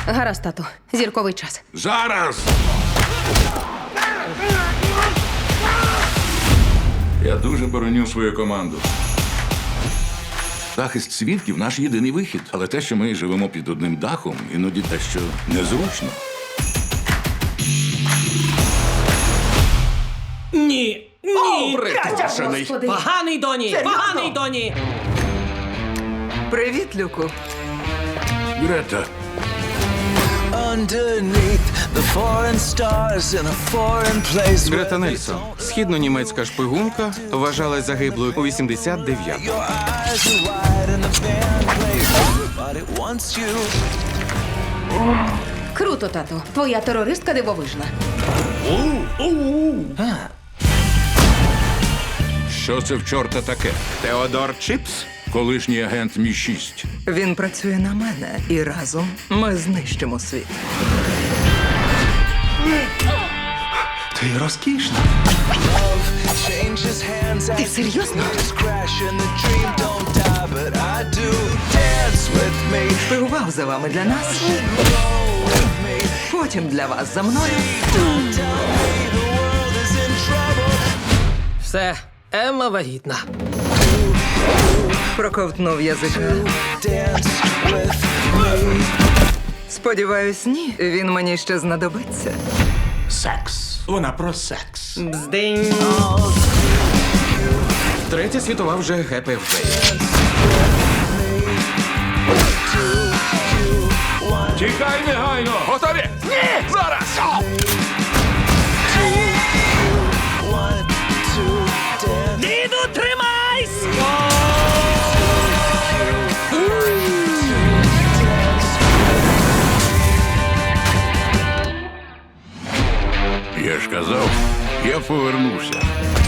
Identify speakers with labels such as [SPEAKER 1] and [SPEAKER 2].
[SPEAKER 1] Гаразд, тату. Зірковий час.
[SPEAKER 2] Зараз! Я дуже бороню свою команду. Захист свідків – наш єдиний вихід. Але те, що ми живемо під одним дахом, іноді дещо незручно.
[SPEAKER 3] Ні! Ні!
[SPEAKER 2] Припрошений.
[SPEAKER 3] Поганий доні! Поганий доні!
[SPEAKER 4] Привіт, Люку.
[SPEAKER 2] Грета,
[SPEAKER 5] Underneath the foreign stars in a foreign place.
[SPEAKER 6] Грета Нельсон, східно-німецька шпигунка, вважалась загиблою у 89-му.
[SPEAKER 5] Your eyes are wide and the band plays, but it wants you.
[SPEAKER 1] Круто, тату. Твоя терористка дивовижна.
[SPEAKER 2] що це в чорта таке?
[SPEAKER 6] Теодор Чіпс?
[SPEAKER 2] Колишній агент Мі-6.
[SPEAKER 4] Він працює на мене, і разом ми знищимо світ.
[SPEAKER 6] Ти розкішна.
[SPEAKER 5] Changes hands.
[SPEAKER 1] Ти серйозно?
[SPEAKER 5] Just crash and the dream don't die, but I do. Dance with me,
[SPEAKER 4] Шпигував за вами для нас,
[SPEAKER 5] roll with me.
[SPEAKER 4] потім для вас за мною.
[SPEAKER 5] Don't tell me the world is in trouble.
[SPEAKER 3] Все, Емма вагітна.
[SPEAKER 4] Проковтнув язика.
[SPEAKER 5] Dance with me.
[SPEAKER 4] Сподіваюсь, ні. Він мені ще знадобиться.
[SPEAKER 6] Секс. Вона про секс.
[SPEAKER 3] Бздинь.
[SPEAKER 6] Третя світова вже гепе в Бей.
[SPEAKER 2] Тікай негайно! Готові? Ні! Зараз!
[SPEAKER 5] One, two, dance.
[SPEAKER 3] Діду, тримайсь!
[SPEAKER 2] Я ж казав, я повернуся.